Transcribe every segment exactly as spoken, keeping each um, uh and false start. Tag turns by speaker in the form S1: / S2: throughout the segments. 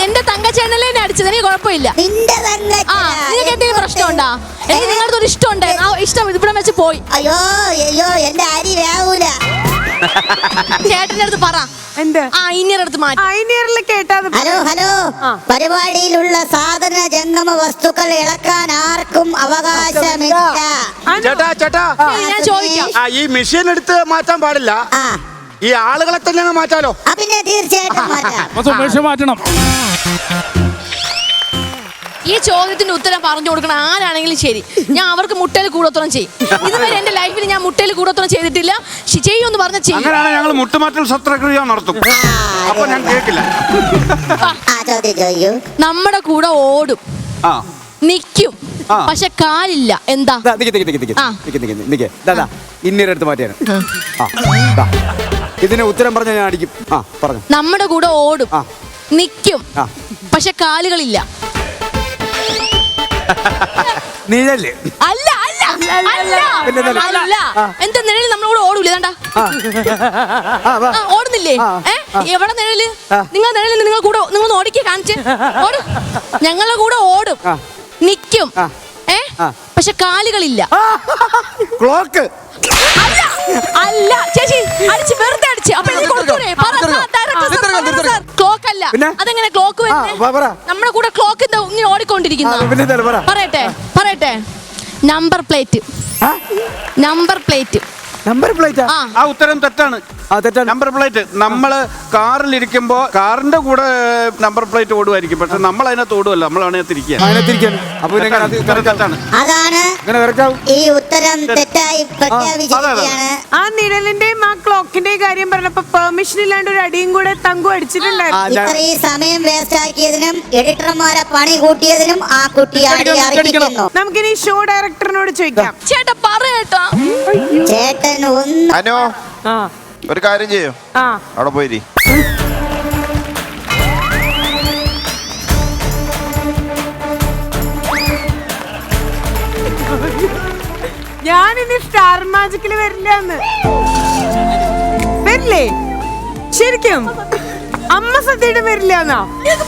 S1: എന്റെ തങ്കച്ചേട്ടനല്ലേ എന്നെ അടിച്ചത്, എനിക്ക് കുഴപ്പമില്ല.
S2: നിന്റെ തന്നെ
S1: ആ നിനക്ക് എന്തെങ്കിലും പ്രശ്നമുണ്ടാ? എനിക്ക് നിങ്ങളുടെ ഒരു ഇഷ്ടം ഉണ്ടായിരുന്നു, ആ ഇഷ്ടം ഇവിടെ വെച്ച് പോയി.
S2: അയ്യോ അയ്യോ എന്റെ അരി വേവൂല.
S1: ചേട്ടന്റെ അടുത്ത് പറ
S3: എന്ത്
S1: ആ ഇനിയർ അടുത്ത് മാറ്റി.
S3: ഐനിയറിൽ കേട്ടാ.
S2: ഹലോ ഹലോ പരിപാടിയിലുള്ള സാധന ജംഗമ വസ്തുക്കൾ ഇളക്കാൻ ആർക്കും അവകാശമില്ല.
S4: ചേട്ടാ ചേട്ടാ
S1: ഞാൻ ചോദിക്കാം.
S4: ആ ഈ മെഷീൻ എടുത്ത് മാറ്റാൻ പാടില്ല,
S2: ആ
S4: ഈ ആളുകളെ തന്നെ മാറ്റാലോ?
S2: ആ, പിന്നെ തീർച്ചയായിട്ടും മാറ്റാം.
S5: സുമേഷ് മാറ്റണം.
S1: ഈ ചോദ്യത്തിന്റെ ഉത്തരം പറഞ്ഞു കൊടുക്കണം ആരാണെങ്കിലും ശരി, ഞാൻ അവർക്ക് മുട്ടയിൽ കൂടോത്രം ചെയ്യും. ഇതുവരെ എന്റെ ലൈഫിൽ ഞാൻ മുട്ടയിൽ കൂടോത്രം ചെയ്തിട്ടില്ല. ചെയ്യുമെന്ന് പറഞ്ഞ ചെയ്യും.
S4: അങ്ങനെയാണ് ഞങ്ങൾ മുട്ടുമാറ്റൽ ശസ്ത്രക്രിയ നടത്തും. അപ്പൊ ഞാൻ കേൾക്കില്ല.
S2: ആ ചോദ്യം ചോദിക്കൂ.
S1: നമ്മുടെ കൂടെ ഓടും,
S4: ആ
S1: നിക്കും, പക്ഷെ കാലില്ല. എന്താ?
S6: ഇന്നീരെ അടുത്ത് മാറ്റിയാണ്. ഇതിന് ഉത്തരം പറഞ്ഞ ഞാൻ അടിക്കും. ആ പറഞ്ഞു.
S1: നമ്മുടെ കൂടെ ഓടും, നിക്കും, പക്ഷെ കാലുകളില്ല.
S6: നിഴല്.
S1: അല്ല അല്ല അല്ല അല്ല. എന്താ നിഴല് നമ്മുടെ കൂടെ ഓടൂല? ഇതാണ്ടാ ഓടുന്നില്ലേ? ഏ എവിടെ നിഴല്? നിങ്ങൾ നിഴല് നിങ്ങൾ കൂടെ നിങ്ങൾ ഓടിക്കേ കാണിച്ച് ഓടും. ഞങ്ങളുടെ കൂടെ ഓടും, നിക്കും, ഏ പക്ഷെ കാലുകളില്ല.
S6: ക്ലോക്ക്.
S1: അല്ല അല്ല ചേച്ചി അടിച്ച് വെറുതെ അടിച്ച്. അപ്പൊ ക്ലോക്ക് അല്ല. അതെങ്ങനെ ക്ലോക്ക് വരുന്നത്? നമ്മുടെ കൂടെ ക്ലോക്ക് ഇങ്ങനെ ഓടിക്കൊണ്ടിരിക്കുന്ന. പറയട്ടെ പറയട്ടെ number plate. Number plate.
S6: Number plate.
S4: ആ ഉത്തരം തെറ്റാണ്. നമ്പർ പ്ലേറ്റ് നമ്മള് കാറിലിരിക്കുമ്പോ കാറിന്റെ കൂടെ നമ്പർ പ്ലേറ്റ് ഓടുമായിരിക്കും, പക്ഷെ നമ്മൾ അതിനകത്ത് ഓടുമല്ല, നമ്മൾ അതിനകത്തിരിക്കുക.
S2: അതാണ് ഈ ഉത്തരം തെറ്റായി പ്രഖ്യാപിച്ചിരിക്കുകയാണ്.
S3: ആ നിഴലിന്റെയും ആ ക്ലോക്കിന്റെയും കാര്യം പറഞ്ഞപ്പോ പെർമിഷൻ ഇല്ലാണ്ട് ഒരു അടിയും കൂടെ തങ്കു അടിച്ചിട്ടുണ്ടായിരുന്നു.
S2: ഇത്രയും സമയം വേസ്റ്റ് ആക്കിയതിനും എഡിറ്റർമാരെ പണി കൂട്ടിയതിനും ആ കുട്ടി അടിക്കുന്നു.
S3: നമുക്കിനി ഷോ ഡയറക്ടറിനോട് ചോദിക്കാം.
S1: ചേട്ടാ പറയട്ടോ.
S2: ചേട്ടൻ ഒന്ന്
S7: അനു ഒരു കാര്യം ചെയ്യോ, അവിടെ പോയിരി.
S3: ഞാനിനി സ്റ്റാർ മാജിക്കില് വരില്ലെന്ന്. വരില്ലേ? ശരിക്കും അമ്മ സദ്യയുടെ വരില്ലെന്നാ?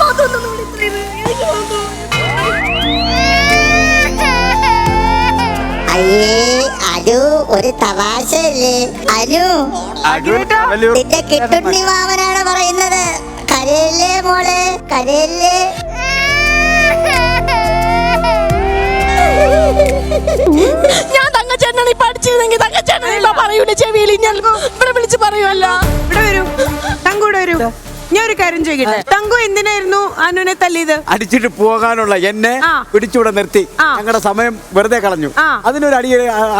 S2: അയ്യേ അനു ഒരു തമാശയല്ലേ? അനു നിന്റെ കിട്ടുണ്ണി മാമനാണ് പറയുന്നത്. കരയല്ലേ മോളെ, കരയല്ലേ.
S1: ഞാൻ തങ്കച്ചേട്ടനാണ് ഇപ്പൊ അടിച്ചിരുന്നെങ്കിൽ തങ്കച്ചേട്ടൻ പറയൂല ചെവിയിൽ. ഞാൻ ഇവിടെ വിളിച്ച് പറയുമല്ലോ.
S3: ഇവിടെ വരൂ, തങ്കൂടെ വരൂ. ഞാൻ ഒരു കാര്യം ചോദിക്കട്ടെ, തങ്കു എന്തിനായിരുന്നു അനുവിനെ തല്ലിയത്?
S6: അടിച്ചിട്ട് പോകാനുള്ള എന്നെ പിടിച്ചൂടെ നിർത്തി ഞങ്ങളുടെ സമയം വെറുതെ കളഞ്ഞു. അതിനൊരു അടി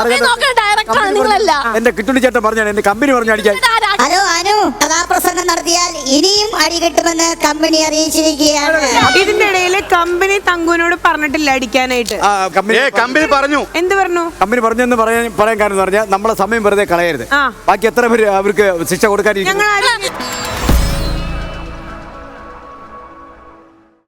S6: എന്റെ കിട്ടുണ്ണി ചേട്ടൻ പറഞ്ഞാണ്, എന്റെ കമ്പനി പറഞ്ഞു അടിക്കാൻ.
S2: ഹലോ അനു, കഥാപ്രസംഗം നടത്തിയാൽ ഇനിയും അടി കിട്ടുമെന്ന് കമ്പനി അറിയിച്ചിരിക്കുകയാണ്.
S3: ഇതിന്റെ ഇടയില് കമ്പനി തങ്കുവിനോട് പറഞ്ഞിട്ടില്ല അടിക്കാനായിട്ട്.
S4: കമ്പനി പറഞ്ഞു.
S3: എന്ത് പറഞ്ഞു?
S6: കമ്പനി പറഞ്ഞെന്ന് പറയാൻ പറയാൻ കാരണം എന്ന് പറഞ്ഞാൽ നമ്മളെ സമയം വെറുതെ കളയരുത്. ബാക്കി എത്ര പേര് അവർക്ക് ശിക്ഷ കൊടുക്കാതിരിക്കും.
S3: ഞങ്ങൾ